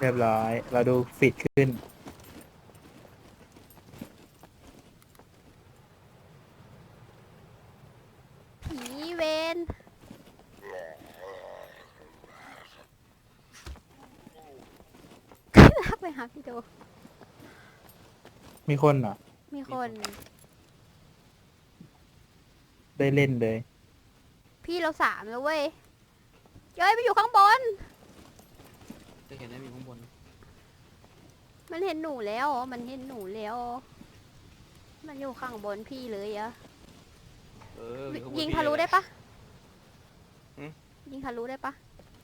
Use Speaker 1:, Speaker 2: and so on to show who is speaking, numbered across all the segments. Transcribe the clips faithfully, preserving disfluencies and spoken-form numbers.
Speaker 1: เรียบร้อย เราดูฟิตขึ้น
Speaker 2: ผีเวนลากไปหาพี่โด
Speaker 1: มีคนเหรอ
Speaker 2: มีคน
Speaker 1: ได้เล่นเลย
Speaker 2: พี่เราสามแล้วเว้ยเย้ยไปอยู่ข้างบน
Speaker 3: จะเห็นได้มีข้างบน
Speaker 2: มันเห็นหนูแล้วมันเห็นหนูแล้วมันอยู่ข้างบนพี่เลยอะ
Speaker 3: เออมีข้างบน
Speaker 2: ยิง
Speaker 3: พี่
Speaker 2: ทะลุได้ปะ
Speaker 3: หืม
Speaker 2: ยิงทะลุได้ปะ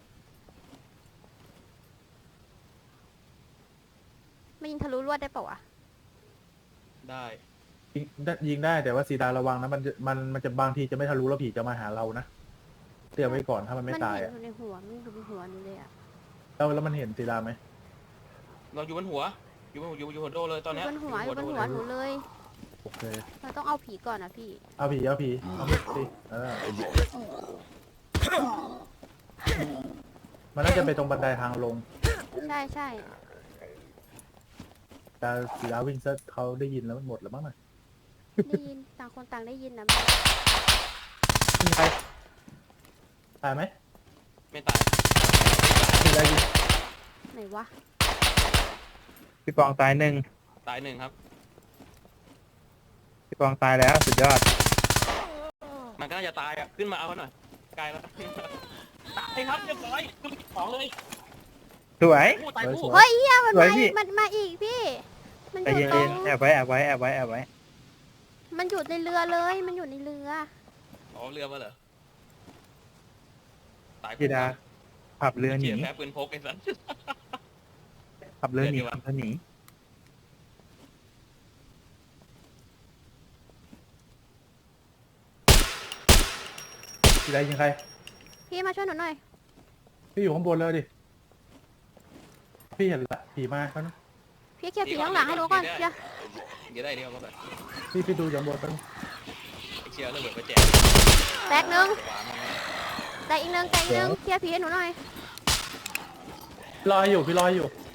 Speaker 2: ไม่ยิงทะลุลวดได้ปะวะ
Speaker 3: ได้
Speaker 4: ยิงได้ยิงได้แต่ว่าสีดาระวังนะมันจะมันมันจะบางทีจะไม่ทะลุแล้วผีจะมาหาเรานะเตรียมไว้ก่อนถ้ามันไม่ตาย
Speaker 2: เห็น
Speaker 4: อะ
Speaker 2: อยู่ในหัวมันอยู่ในหัวหนูเลยอะ
Speaker 4: แล้วแล้วมันเห็นสีดาไหม
Speaker 3: เราอยู่บนหัว อยู่บนอยู่อยู่หัวโดเลยตอน
Speaker 2: อ
Speaker 3: เนี้
Speaker 2: ยู่
Speaker 3: ย
Speaker 2: บนหัวอยู่บนหัวหนูเลย
Speaker 4: โอเค
Speaker 2: เราต้องเอาผีก่อนนะพี่
Speaker 4: เอาผีเอาผีเอามีดสิเออมันน่าจะไปตรงบันไดทางลง
Speaker 2: ใช่ใช่
Speaker 4: แต่สีดาวิ่งซะเขาได้ยินแล้วมันหมดแล้วมั้งน่ะ
Speaker 2: ได้ยินต่างคนต่างได้ยินนะ
Speaker 4: ยิงใครตายไหม
Speaker 3: ไม่ตาย
Speaker 4: สีดายิง
Speaker 2: ไหนวะ
Speaker 1: พี่ปองตายหนึ่ง
Speaker 3: ตายหนึ่งครับ
Speaker 1: พี่ปองตายแล้วสุดยอด
Speaker 3: มันก็น่าจะตายอ่ะ ขึ้นมาเอาหน่อยไกลแล้ว ตายครับเรียบร้อยขึ้นไปของเลย
Speaker 1: สวย
Speaker 3: โอ้ตายคู่
Speaker 2: เฮ้ยเฮียมัน
Speaker 1: สวย
Speaker 2: มา
Speaker 1: พี่
Speaker 2: อีกมันมาอีกพี่ มัน
Speaker 1: ใจ
Speaker 2: อยู่
Speaker 1: เย็น
Speaker 2: ตรง
Speaker 1: ๆแอบไว้แอบไว้แอบไว้แอบไว้
Speaker 2: มันอยู่ในเรือเลย มันอยู่ในเรือ
Speaker 3: อ๋อเรือมาเหรอ ตาย
Speaker 1: พี่ดาขับเรือหนี
Speaker 3: เจียแพ้ปืนพกไอ้สัน
Speaker 1: ขับเรือหนี
Speaker 3: เรือดีวะ
Speaker 1: ขับเรือหนี
Speaker 4: สีดายิงใคร
Speaker 2: พี่มาช่วยหนูหน่อย
Speaker 4: พี่อยู่ข้างบนเลยดิพี่เห็นละผีมาเขานะ
Speaker 2: พี่เคลียร์ผีข้างหลังให้หนูก่อนเคลียร์
Speaker 3: เดี๋ยวได้เดี๋ยวก็แบบ
Speaker 4: พี่พี่ดูจากบนกัน
Speaker 3: ไอ้เชียร์ระเบิดไปแจก
Speaker 2: แตกหนึ่ง
Speaker 3: วางไว้
Speaker 2: แตกอีกหนึ่งแตกอีกหนึ่งเคลียร์ผีให้หนูหน่อย
Speaker 4: รออยู่พี่รออยู่